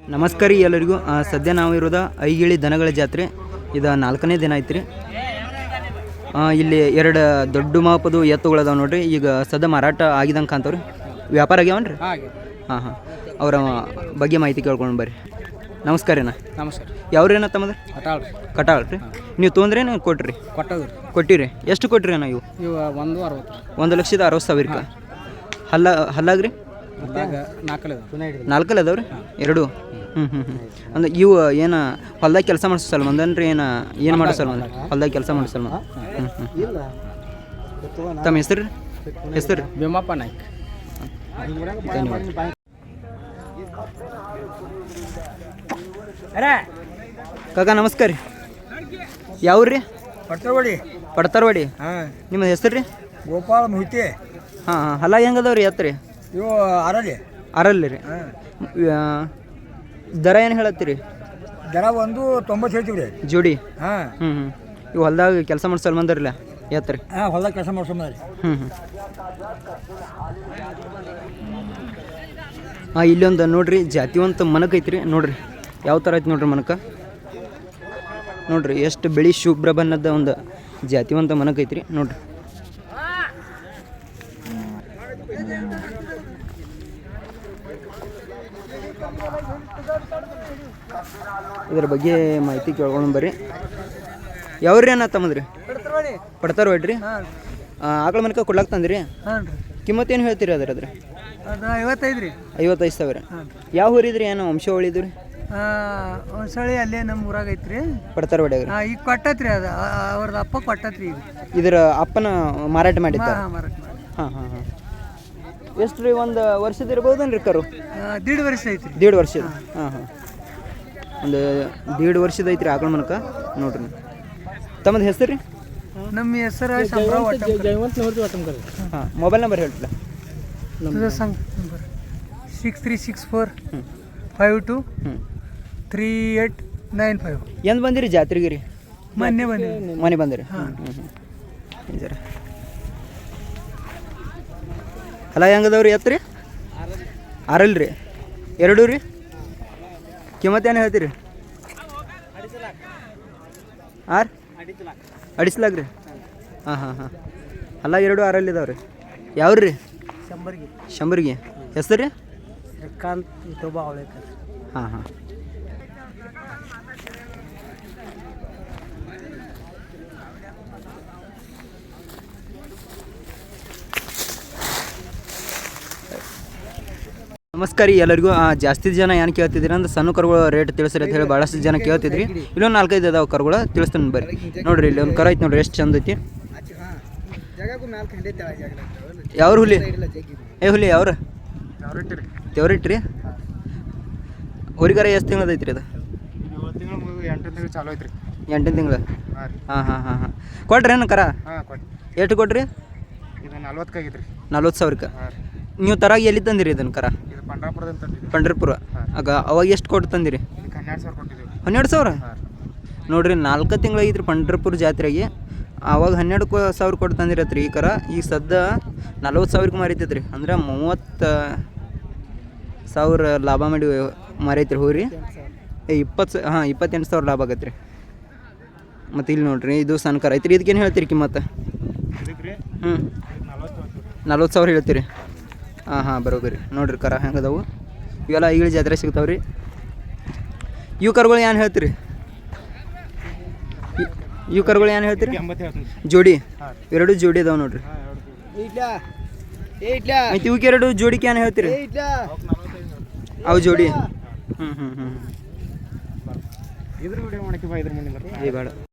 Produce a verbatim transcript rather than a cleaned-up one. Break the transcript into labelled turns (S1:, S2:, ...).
S1: ನಮಸ್ಕಾರ ರೀ ಎಲ್ಲರಿಗೂ. ಸದ್ಯ ನಾವು ಇರೋದು ಐಗಿಳಿ ದನಗಳ ಜಾತ್ರೆ. ಇದು ನಾಲ್ಕನೇ ದಿನ ಐತೆ ರೀ. ಇಲ್ಲಿ ಎರಡು ದೊಡ್ಡ ಮಾಪದು ಎತ್ತುಗಳದಾವ ನೋಡ್ರಿ. ಈಗ ಸದ್ಯ ಮಾರಾಟ ಆಗಿದಂಗೆ ಕಾಣ್ತಾವ್ರಿ. ವ್ಯಾಪಾರ ಆಗ್ಯಾವನ್ರಿ? ಹಾಂ ಹಾಂ ಅವರ ಬಗ್ಗೆ ಮಾಹಿತಿ ಕೇಳ್ಕೊಂಡು ಬರ್ರಿ. ನಮಸ್ಕಾರ ರೀ.
S2: ನಮಸ್ಕಾರ.
S1: ಯಾವ್ರೇನ ತಮ್ಮದ?
S2: ಕಟಾಳ್ ರೀ.
S1: ಕಟಾಳ್ ರೀ. ನೀವು ತೊಂದ್ರೇನು ಕೊಟ್ರಿ?
S2: ಕೊಟ್ಟದ್ರಿ.
S1: ಕೊಟ್ಟಿರಿ. ಎಷ್ಟು ಕೊಟ್ಟಿರಿ ಅಣ್ಣ ಇವು?
S2: ಇವು ಒಂದು ಅರವತ್ತು.
S1: ಒಂದು ಲಕ್ಷದ ಅರವತ್ತು ಸಾವಿರಕ್ಕೆ. ಹಲ್ಲ ಹಲ್ಲಾಗ್ರಿ?
S2: ನಾಲ್ಕಲ್ಲ
S1: ನಾಲ್ಕಲ್ಲ ಅದಾವ್ರಿ ಎರಡು. ಹ್ಞೂ ಹ್ಞೂ ಹ್ಞೂ ಅಂದ್ರೆ ಇವು ಏನು ಹೊಲ್ದಾಗ ಕೆಲಸ ಮಾಡಿಸೋ ಸಲ್ಮಂದ್ ಅಂದ್ರೆ ಏನು ಏನು ಮಾಡೋ ಸಲ್ಮಂದ್? ಹೊಲ್ದಾಗ ಕೆಲಸ ಮಾಡೋ ಸಲ್ಮಂದ್. ಹ್ಞೂ ಹ್ಞೂ ತಮ್ಮ ಹೆಸರು ರೀ? ಹೆಸರು
S2: ಭೀಮಪ್ಪ ನಾಯ್ಕ.
S1: ಧನ್ಯವಾದ. ಕಾಕ ನಮಸ್ಕಾರ ರೀ. ಯಾವ್ರಿ?
S2: ಪಡ್ತಾರವಾಡಿ.
S1: ಪಡ್ತಾರವಾಡಿ.
S2: ಹಾಂ.
S1: ನಿಮ್ಮ ಹೆಸರು ರೀ?
S2: ಗೋಪಾಲ ಮುಹಿತಿ.
S1: ಹಾಂ ಹಾಂ ಹಲ್ಲ ಹೆಂಗದವ್ರಿ ಎತ್ತರಿ?
S2: ಇವು ಅರಲ್ಲಿ
S1: ಅರಲ್ಲಿ ರೀ. ದರ ಏನು ಹೇಳತ್ತೀರಿ?
S2: ದರ ಒಂದು ತೊಂಬತ್ತು ಹೇಳ್ತೀವಿ ರೀ
S1: ಜೋಡಿ.
S2: ಹಾಂ.
S1: ಹ್ಞೂ ಹ್ಞೂ ಇವು ಹೊಲ್ದಾಗ ಕೆಲಸ ಮಾಡ್ಸಲ್ ಬಂದಿರಲ್ಲ ಎತ್ತರಿ?
S2: ಹಾಂ, ಹೊಲ್ದಾಗ ಕೆಲಸ ಮಾಡ್ಸೋಣ ರೀ.
S1: ಹ್ಞೂ ಹ್ಞೂ ಹಾಂ ಇಲ್ಲೊಂದು ನೋಡ್ರಿ ಜಾತಿವಂತ ಮನಕ ಐತ್ರಿ. ನೋಡ್ರಿ ಯಾವ ಥರ ಐತಿ ನೋಡ್ರಿ ಮನಕ. ನೋಡ್ರಿ ಎಷ್ಟು ಬಿಳಿ ಶುಭ್ರ ಬಣ್ಣದ ಒಂದು ಜಾತಿವಂತ ಮನಕ ಐತ್ರಿ. ನೋಡ್ರಿ ಇದ್ರ ಬಗ್ಗೆ ಮಾಹಿತಿ ಕೇಳ್ಕೊಂಡು ಬರ್ರಿ. ಯಾವ್ರಿ ಅನ್ನ ತಮ್ಮದ್ರಿ? ಪಡ್ತಾರ ಹೊಡ್ರಿ. ಆಕಳ ಮನಕ ಕೊಡ್ಲಾಕ್ ತಂದ್ರಿ?
S2: ಹಾಂ ರೀ.
S1: ಕಿಮ್ಮತ್ತು ಏನು ಹೇಳ್ತೀರಿ ಅದ್ರ ಅದ್ರ?
S2: ಅದು ಐವತ್ತೈದು ರೀ.
S1: ಐವತ್ತೈದು ಸಾವಿರ. ಯಾವ ಊರಿದ್ರಿ? ಏನು ವಂಶವಳಿದ್ರಿ?
S2: ಒಂದು ಸಳಿ ಅಲ್ಲೇ ನಮ್ಮ ಊರಾಗ ಐತ್ರಿ.
S1: ಪಡ್ತಾರ ಹೊಡ್ಯಾಗ್ರಿ.
S2: ಈಗ ಕೊಟ್ಟತ್ರಿ. ಅದು ಅವ್ರದ್ದು ಅಪ್ಪ ಕೊಟ್ಟತ್ರಿ. ಈಗ
S1: ಇದರ ಅಪ್ಪನ ಮಾರಾಟ ಮಾಡಿದ್ದ?
S2: ಮಾರಾಟ ಮಾಡಿ.
S1: ಹಾಂ ಹಾಂ ಹಾಂ ಎಷ್ಟು ರೀ? ಒಂದು ವರ್ಷದ ಇರ್ಬೋದೇನ್ರಿ ಕರು?
S2: ದೀಡ್ ವರ್ಷ ಐತ್ರಿ.
S1: ದೀಡ್ ವರ್ಷದ. ಹಾಂ ಹಾಂ ಒಂದು ದೀಡ್ ವರ್ಷದ ಐತ್ರಿ ಆಕಳ ಮನಕ. ನೋಡ್ರಿ ತಮ್ಮದು ಹೆಸರು ರೀ?
S2: ನಮ್ಮ ಹೆಸರು
S1: ಹಾಂ. ಮೊಬೈಲ್ ನಂಬರ್ ಹೇಳ್ತಿಲ್ಲ?
S2: Six three six four five two three eight nine five.
S1: ಎಂದು ಬಂದಿರಿ ಜಾತ್ರೆಗೆ ರೀ?
S2: ಮೊನ್ನೆ ಬಂದಿರಿ.
S1: ಮನೆ ಬಂದಿರಿ. ಹ್ಞೂ ಹ್ಞೂ ಹ್ಞೂ ಜರ ಅಲ್ಲ ಹೆಂಗದವ್ರಿ ಎತ್ತು ರೀ? ಆರಲ್ಲ ರೀ. ಎರಡು ರೀ. ಕಿಮ್ಮತ್ತೇನು ಹೇಳ್ತೀರಿ? ಆರು ಅಡಿಸ್ಲಾಗ ರೀ. ಹಾಂ ಹಾಂ ಹಾಂ ಅಲ್ಲ ಎರಡು ಆರಲ್ಲಿ ಇದಾವೆ ರೀ. ಯಾವ್ರಿ ರೀ?
S2: ಶಂಬರ್ಗಿ.
S1: ಶಂಬರ್ಗಿ. ಹೆಸರು ರೀ?
S2: ಶ್ರೀಕಾಂತ್ ವಿಠೋಬಾ ಅವಳೇಕರ್.
S1: ಹಾಂ ಹಾಂ ನಮಸ್ಕಾರ ರೀ ಎಲ್ಲರಿಗೂ. ಜಾಸ್ತಿ ಜನ ಏನು ಕೇಳ್ತಿದ್ದೀರಿ ಅಂದ್ರೆ ಸಣ್ಣ ಕರುಗಳು ರೇಟ್ ತಿಳಿಸ್ರಿ ಅಂತ ಹೇಳಿ ಭಾಳಷ್ಟು ಜನ ಕೇಳ್ತಿದ್ರಿ. ಇಲ್ಲೊಂದು ನಾಲ್ಕೈದು ಅದಾವೆ ಕರುಗಳು ತಿಳಿಸ್ತಾನೆ ಬರ್ರಿ. ನೋಡಿರಿ ಇಲ್ಲಿ ಒಂದು ಕರು ಐತಿ ನೋಡ್ರಿ, ಎಷ್ಟು ಚಂದ ಐತಿ. ಯಾವ್ರ ಹುಲಿ? ಏ ಹುಲಿ ಯಾವ್ರ? ತೆವರಿಟ್ರಿ. ಹೊರಿಗಾರ ಎಷ್ಟು ತಿಂಗಳದ ಐತ್ರಿ ಅದು? ಎಂಟನೇ ತಿಂಗಳು. ಹಾಂ ಹಾಂ ಹಾಂ ಹಾಂ ಕೊಟ್ರಿ ಏನು ಕರ? ಎಷ್ಟು ಕೊಟ್ರಿ? ನಲ್ವತ್ತು ಸಾವಿರಕ್ಕೆ. ನೀವು ತರಾಗ ಎಲ್ಲಿ ತಂದಿರಿ ಇದನ್ನು ಕರ? ಪಂಡ್ರಪುರ. ಆಗ ಅವಾಗ ಎಷ್ಟು ಕೊಟ್ಟು ತಂದಿರಿ? ಹನ್ನೆರಡು ಸಾವಿರ. ನೋಡ್ರಿ ನಾಲ್ಕು ತಿಂಗಳಾಗಿದ್ರಿ ಪಂಡ್ರಪುರ ಜಾತ್ರೆಗೆ. ಆವಾಗ ಹನ್ನೆರಡು ಸಾವಿರ ಕೊಟ್ಟು ತಂದಿರತ್ರಿ ಈ ಕರ. ಈಗ ಸದ್ಯ ನಲ್ವತ್ತು ಸಾವಿರಕ್ಕೆ ಮಾರೈತೈತ್ರಿ. ಅಂದ್ರೆ ಮೂವತ್ತು ಸಾವಿರ ಲಾಭ ಮಾಡಿ ಮಾರೈತ್ರಿ ಹೋರಿ. ಏ ಇಪ್ಪತ್ತು ಹಾಂ ಇಪ್ಪತ್ತೆಂಟು ಸಾವಿರ ಲಾಭ ಆಗತ್ತೆ ರೀ. ಮತ್ತು ಇಲ್ಲಿ ನೋಡ್ರಿ ಇದು ಸಣ್ಣ ಕರ ಐತ್ರಿ. ಇದಕ್ಕೇನು ಹೇಳ್ತೀರಿ ಕಿಮ್ಮತ್ತು? ಹ್ಞೂ ನಲ್ವತ್ತು ಸಾವಿರ ಹೇಳ್ತೀರಿ. ಹಾಂ ಹಾಂ ಬರೋಬರಿ. ನೋಡಿರಿ ಕರ ಹೆಂಗದವು. ಇವೆಲ್ಲ ಈಗಲೇ ಜಾತ್ರೆ ಸಿಗ್ತಾವೆ ರೀ. ಇವು ಕರುಗಳು ಏನು ಹೇಳ್ತೀರಿ? ಇವು ಕರುಗಳು ಏನು ಹೇಳ್ತೀರಿ? ಜೋಡಿ. ಎರಡು ಜೋಡಿ ಅದಾವೆ ನೋಡ್ರಿ. ಮತ್ತು ಇವಕ್ಕೆ ಎರಡು ಜೋಡಿಗೆ ಏನು ಹೇಳ್ತೀರಿ? ಅವು ಜೋಡಿ. ಹ್ಞೂ ಹ್ಞೂ ಹ್ಞೂ ಇದ್ರ ಬೇಡ.